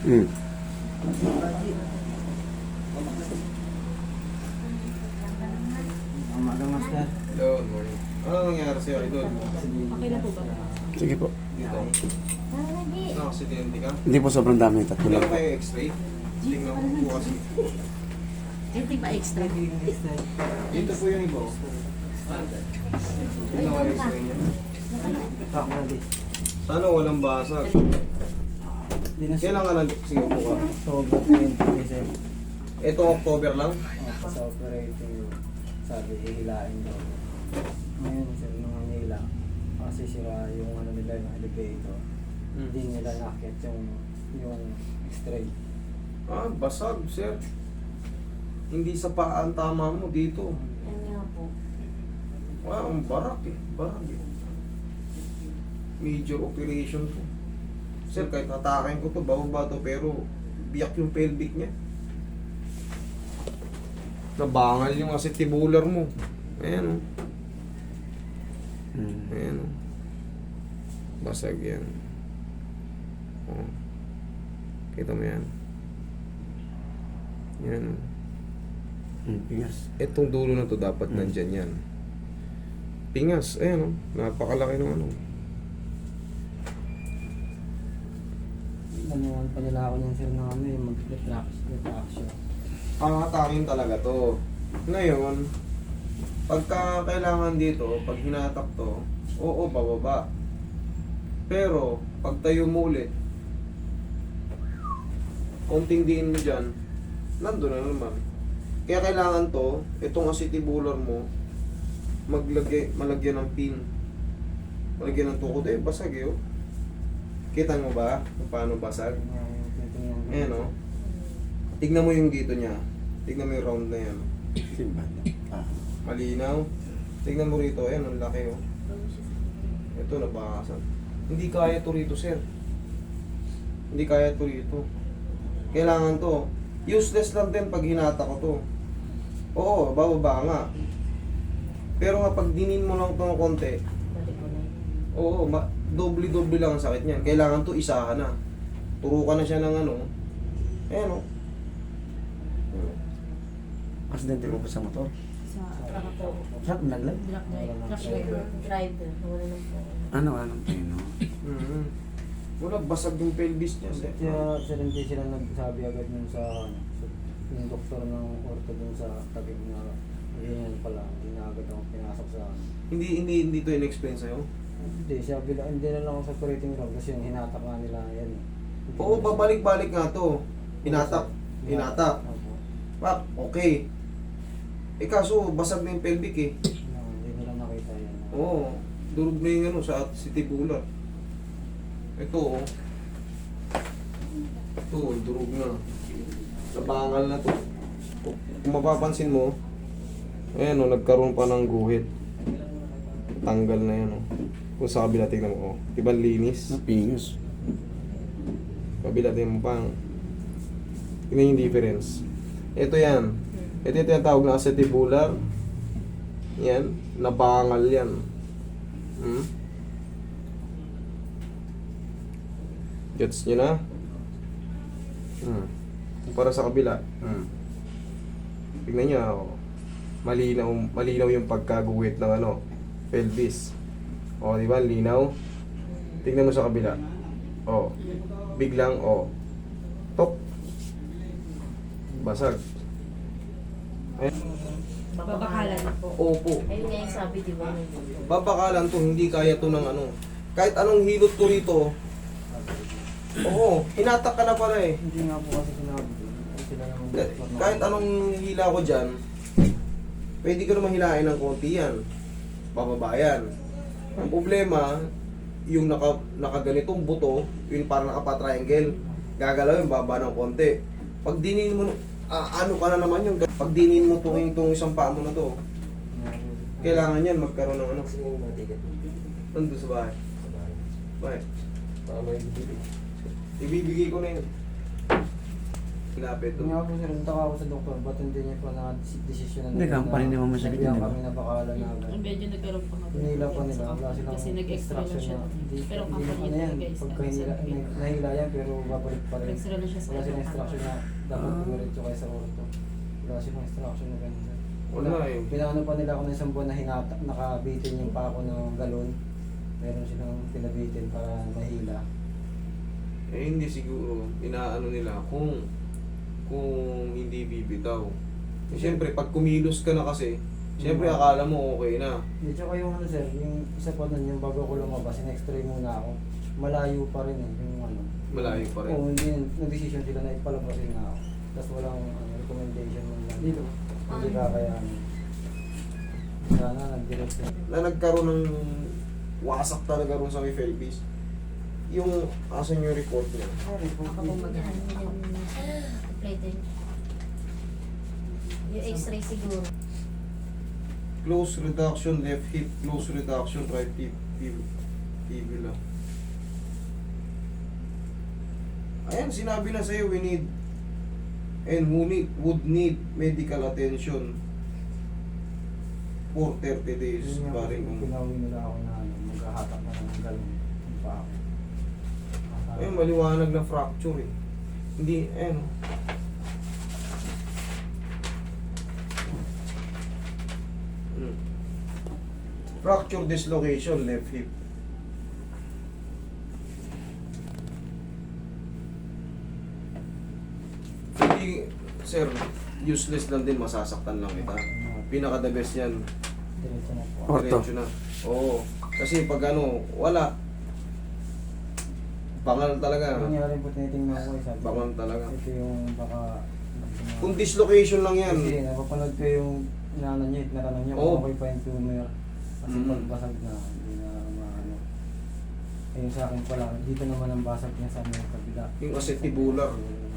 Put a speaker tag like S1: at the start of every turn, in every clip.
S1: Hmm.
S2: Umaga, master.
S3: Hello, good morning. Ano nangyari sa'yo, Idol?
S4: Okay na po ba?
S1: Sige po.
S3: Dito. Nakasidente ka?
S1: Hindi po sobrang dami. Tatlo lang
S3: Meron
S1: po.
S3: kayo x-ray? Tingnan ko po kasi.
S4: Anything ba extra?
S3: Dito po yung iba. Tingnan ko yung x-ray niya.
S2: Talk na di.
S3: Sana walang basag. Kailan ka lang? Sige po ka.
S2: October 20 sir.
S3: Ito October lang?
S2: Sa operating room. Sabi, hihilain daw. Ngayon sir, nung hila. Kasi sira yung ano nila, yung elevator. Hindi nila nakit yung x-ray.
S3: Ah, basag, sir. Hindi sa paa ang tama mo dito.
S4: Yan nga po.
S3: Wow, ang barak eh. Barak eh. Major operation to. Sir, kahit hatakin ko to, bababa to, pero biyak yung pelvic niya. Nabangal yung acetibular mo. Ayan o.
S1: Hmm.
S3: Ayan o. Basag yan. Oh. Kita mo yan. Yan o.
S1: Hmm. Pingas.
S3: Etong dulo na to dapat nandyan yan. Pingas. Ayan o. Napakalaki ng ano.
S2: Nanuwan pa nila ako niyan sir na ano yung mag-retraction.
S3: Angatakin talaga to. Ngayon, pagka kailangan dito, pag hinatak to, oo, bababa. Pero, pag tayo mo ulit, konting diin mo dyan, nandun na naman. Kaya kailangan to, itong acetibular mo, malagyan ng pin. Malagyan ng tukod eh, basag eh. Oh. Kita mo ba kung paano basag? Ayan o. Tignan mo yung dito niya. Tignan mo yung round na yan.
S1: Simba. Ah.
S3: Malinaw. Tignan mo rito. Ayan, ang laki oh. Ito, nabakasan. Hindi kaya to rito, sir. Hindi kaya to rito. Kailangan to. Useless lang din pag hinata ko to. Oo, bababa nga. Pero nga pag dinin mo lang ito ng konti,
S4: Balik ko na.
S3: oo, doble-doble lang ang sakit niyan. Kailangan to isahan na. Turukan na siya ng ano. Ayan oh.
S1: Aksidente mo pa sa motor?
S4: Sa truck po.
S1: Saan naglag?
S4: Truck driver. Wala na po.
S1: Ano? Anong pino?
S3: Mm-hmm. Wala, basag yung pelvis niya. Sir.
S2: Kaya sir, hindi sila nagsabi agad nun sa yung doktor ng orto dun sa tabi na ganyan pala, hindi na agad ako pinasok sa
S3: Hindi to in-explain sa'yo?
S2: hindi, sabi lang, hindi na lang ako sa operating room kasi yung hinatak nga nila yan eh.
S3: Oo, babalik-balik nga to. Hinatak.
S2: Opo.
S3: Pak, okay. Eh kaso, basag na yung pelvic eh.
S2: Hindi nila nakita yan.
S3: Oo, durog na yung ano sa acetibular. Ito oh. Ito, durog na. Nabangal na to. Kung mapapansin mo, ayan oh, nagkaroon pa ng guhit. Tanggal na yan oh. Kung sa kabila, tingnan mo oh. Diba linis?
S1: Napingas.
S3: Kabila, tingnan mo pang. Tingnan yung difference. Ito yan. Ito yung tinatawag na acetibular. Yan. Nabangal yan. Hmm? Gets nyo na? Hmm. Para sa kabila.
S1: Hmm.
S3: Tignan nyo. Oh. Malinaw yung pagkaguhit ng ano, pelvis. O, di ba? Linaw. Tignan mo sa kabila. O. Biglang, o. Tok. Basag. Ayan.
S4: Babakalan po.
S3: Opo.
S4: Ayun nga yung sabi, di ba?
S3: Babakalan to, hindi kaya to ng ano. Kahit anong hilot ko rito, oo, hinatak ka na pala eh.
S2: Hindi nga po kasi sinabi. Sila naman doktor na.
S3: Kahit anong hila ko dyan, pwede ko naman hilain ng konti yan. Bababa yan. Ang problema, yung nakaganitong buto, yung parang nakapatriangle, gagalaw yung baba ng konti. Pag dinin mo, ano ka na naman yung, pag dinin mo itong isang paa mo na to, kailangan yan magkaroon ng ano. Nandun sa bahay. Bakit? Ibibigay ko na yun. Hinapit.
S2: Yung nga po sir, nagtaka ako sa doktor, ba't hindi niya pa na-desisyon na
S1: Hindi, company naman masakit yun,
S2: sabihan
S1: di ba?
S2: kami na bakalan na agad.
S5: Medyo nagkaroon pa nga.
S2: Hinila pa nila, wala silang
S5: Kasi nag-extra lang siya.
S2: Hindi
S5: Pero
S2: hindi na
S5: company
S2: ano yan,
S5: talaga is
S2: pagka nahila yan, pero babalik pa rin.
S5: Extra lang siya sa
S2: Wala silang instruction na dapat
S1: Ah.
S2: pumiretso kayo sa orto. Wala silang instruction na ganun sir.
S3: Wala eh.
S2: Pinaano pa nila ako ng isang buwan na hinata, nakabitin yung pa ako ng galon. Meron silang pinabitin para mahila.
S3: Eh hindi siguro, inaano nila kung hindi bibitaw. Eh, siyempre, pag kumilos ka na kasi, siyempre akala mo okay na.
S2: Di, tsaka yung ano sir, yung isa pa nun, yung bago ko lumabas, in-x-ray muna ako. Malayo pa rin eh, yung ano.
S3: Malayo pa rin.
S2: Oo, hindi, nag-decision sila na ipalabasin na ako. Tapos walang recommendation man lang. Dito, hindi kakayanin. Sana nag-direct na.
S3: Na nagkaroon ng wasak talaga ron sa may pelvis. Yung, asan yung report niya?
S2: Sorry po.
S4: Baka po mag-ano yung plating. Yung x-ray siguro.
S3: Close reduction, left hip, close reduction, right hip, fibula. Ayan, sinabi na sa'yo, we need and would need medical attention for 30 days.
S2: Yun nga,
S3: Paring kung
S2: pinawi nila ako na ano, maghahatak na ng galon. Yung pa ako.
S3: ayun, maliwanag na fracture eh. Hindi, ayun. Fracture dislocation, left hip. Hindi, sir, useless lang din, masasaktan lang kita. Pinaka the best yan,
S2: Diretso na po.
S1: Orto.
S3: diretso na. Oo, kasi pag ano, wala. Bangal talaga.
S2: Nangyari po tinitingnan ko eh, sabi ko,
S3: Bangal talaga.
S2: ito yung baka...
S3: Kung dislocation lang yan,
S2: Kasi napapanood ko yung inaano niya, natanong niya
S3: Oo.
S2: kung okay pa yung tumor. Kasi
S3: Mm.
S2: pagbasag na, hindi na maano. Ayun sa akin pala, dito naman ang basag niya sa may kabila.
S3: yung acetibular.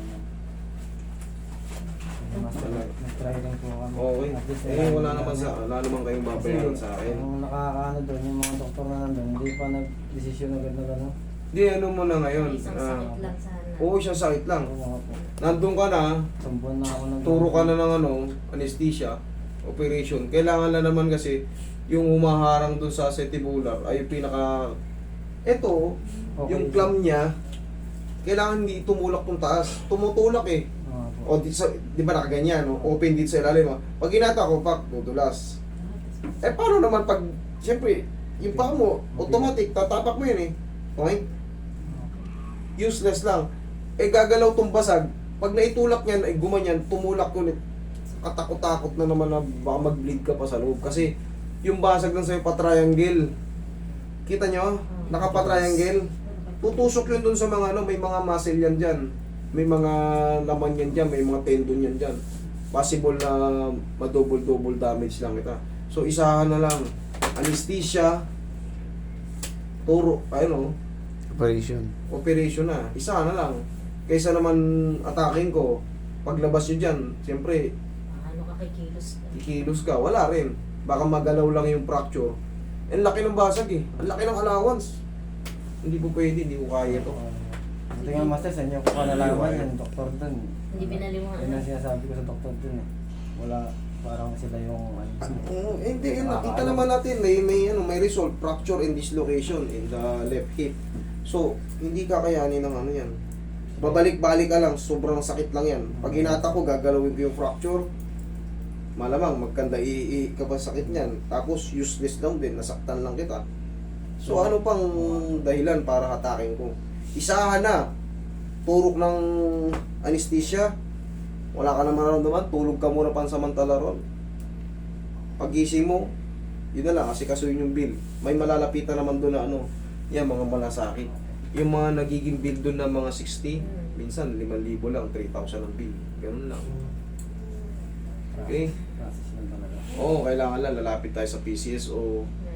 S2: Nag-try lang po kami.
S3: Okay.
S2: At least,
S3: Eh, wala naman kayong babayaran sa akin.
S2: Yung nakakaano doon, yung mga doktor na nandun, hindi pa nag-desisyon agad na gano'n.
S3: Di, ano mo na ngayon.
S4: Isang sakit lang sana.
S3: Oo, isang sakit lang.
S2: Oo mga po.
S3: Nandun ka na,
S2: Sambuan na ako ng...
S3: turo ka na ng ano, anesthesia, operation. Kailangan na naman kasi yung humaharang dun sa acetibular ay yung pinaka... Ito,
S2: Okay.
S3: yung clam niya, kailangan hindi tumulak tong taas. Tumutulak eh.
S2: Oo po.
S3: O di ba nakaganyan, no? Open dito sa ilalim. Pag ginata ko, pak, dudulas. Eh paano naman pag, siyempre, yung paa mo, automatic, tatapak mo yun eh. Okay? Useless lang. Eh gagalaw tong basag, pag naitulak niyan, ay gumanyan, tumulak ulit. Katakot-takot na naman na baka mag-bleed ka pa sa loob. Kasi yung basag lang sa'yo pa-triangle. Kita nyo? Naka-pa-triangle. Tutusok yun dun sa mga ano, may mga muscle yan dyan. May mga laman yan dyan, may mga tendon yan dyan. Possible na ma-double damage lang kita. So isahan na lang. Anesthesia, turo, ayun o,
S1: Operation.
S3: operation na. Isahan na lang. Kaysa naman atakin ko, paglabas nyo dyan, siyempre,
S4: Ano ka kay kilos ka.
S3: kikilos ka, wala rin. Baka magalaw lang yung fracture. Ang laki ng basag eh. Ang laki ng allowance. Hindi po pwede, hindi ko kaya to.
S2: Ito nga master, sa inyo ko pa nalaman yung doktor dun.
S4: Hindi binaliwangan.
S2: Yun ang sinasabi ko sa doktor dun eh. Wala, parang sila yung ano.
S3: Hindi, yun, nakita naman natin may result, fracture and dislocation in the left hip. So, hindi kakayanin ng ano yan. Babalik-balik ka lang, sobrang sakit lang yan. Pag hinata ko, gagalawin ko yung fracture. Malamang, magkanda ka pa sakit niyan. Tapos, useless lang din, nasaktan lang kita. So, ano pang dahilan para hatakin ko? Isahan na. Turok ng anesthesia. Wala ka na mararamdaman, tulog ka muna pansamantala ron. Pagising mo, yun na lang, kasi kasuyin yung bill. May malalapitan naman doon na ano, yan, mga malasakit. Yung mga nagiging bill doon na mga 60, minsan 5,000 lang, 3,000 ang bill. Ganun lang. Okay?
S2: Process lang talaga.
S3: Oo, kailangan lang, lalapit tayo sa PCS o